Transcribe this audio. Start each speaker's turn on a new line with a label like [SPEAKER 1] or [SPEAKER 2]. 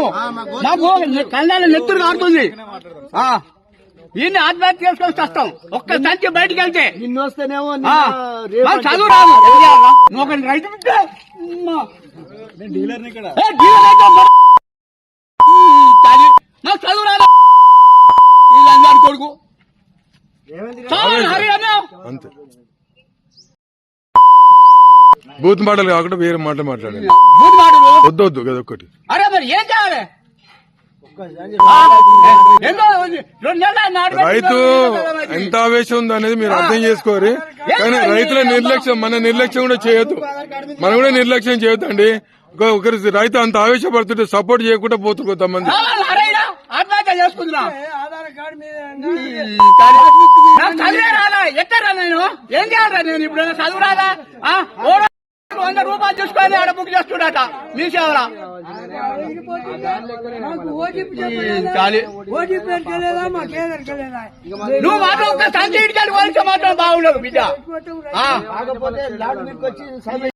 [SPEAKER 1] మాకు కళ్ళాల నెత్తురు కారుతుంది. ఈయన్ని ఆత్మహత్య చేసుకొని వస్తాం. ఒక్క సంచి బయటకు వెళ్తే
[SPEAKER 2] నిన్ను వస్తేనేమో
[SPEAKER 1] చదువు రాదు. నువ్వు ఒక రైతు
[SPEAKER 2] డీలర్ ఇక్కడ
[SPEAKER 1] నాకు చదువు రాదు. వీళ్ళందరి కొడుకు
[SPEAKER 3] అంతే. బూత్ మాటలు కాకుండా వేరే మాటలు మాట్లాడాలి. వద్దొద్దు కదా ఒక్కటి.
[SPEAKER 1] అరే మరి ఏం చేయాలి?
[SPEAKER 3] రైతు ఎంత ఆవేశం ఉంది అనేది మీరు అర్థం చేసుకోరు. కానీ రైతుల నిర్లక్ష్యం, మన నిర్లక్ష్యం కూడా చేయొద్దు. మనం కూడా నిర్లక్ష్యం చేయొద్దు అండి. ఒకరి రైతు అంత ఆవేశపడుతుంటే సపోర్ట్ చేయకుండా పోతుంది కొంతమంది.
[SPEAKER 1] ఆత్మహత్య చేసుకుంటున్నా. చదివే రాదా? ఎక్కడా నేను ఏం చేయాలా? నేను ఇప్పుడు చదువు రాదా? 100 రూపాయలు చూసుకొని ఆడ బుక్ చేస్తున్నట మీ సేవరా. నువ్వు మాత్రం ఒక్క సంచి ఇడికి పోలిస్తే మాత్రం బాగుండదు బిడ్డ.